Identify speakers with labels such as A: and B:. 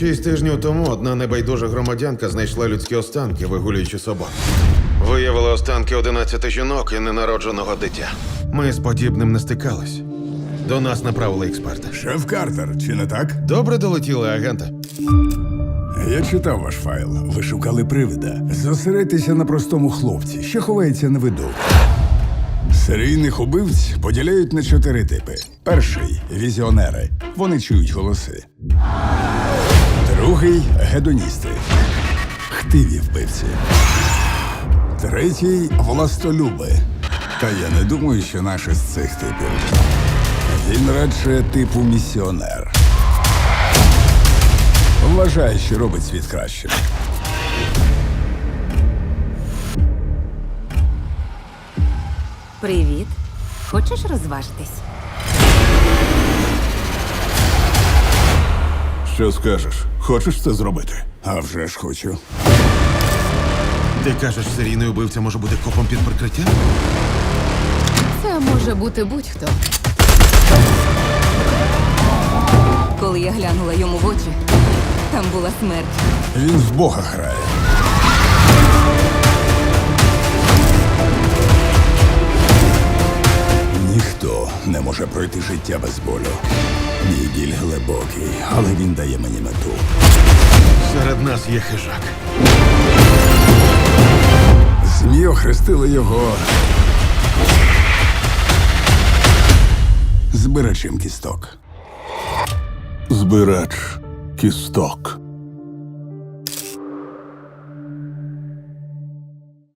A: 6 тижнів тому одна небайдужа громадянка знайшла людські останки, вигулюючи собак. Виявили останки 11 жінок і ненародженого дитя. Ми з подібним не стикались. До нас направили експерта.
B: Шеф Картер, чи не так?
A: Добре долетіли, агенте.
B: Я читав ваш файл. Ви шукали привида. Зосередьтеся на простому хлопці, що ховається на виду. Серійних убивць поділяють на 4 типи. Перший – візіонери. Вони чують голоси. Другий – гедоністи. Хтиві вбивці. Третій – властолюби. Та я не думаю, що наш із цих типів. Він радше типу місіонер. Вважає, що робить світ кращим.
C: Привіт. Хочеш розважитись?
B: Що скажеш? Хочеш це зробити? А вже ж хочу.
A: Ти кажеш, серійний убивця може бути копом під прикриттям?
D: Це може бути будь-хто.
C: Коли я глянула йому в очі, там була смерть.
B: Він в Бога грає. Ніхто не може пройти життя без болю. Мій біль глибокий, але він дає мені мету.
A: Серед нас є хижак.
B: ЗМІ охрестили його збирачем кісток.
E: Збирач кісток.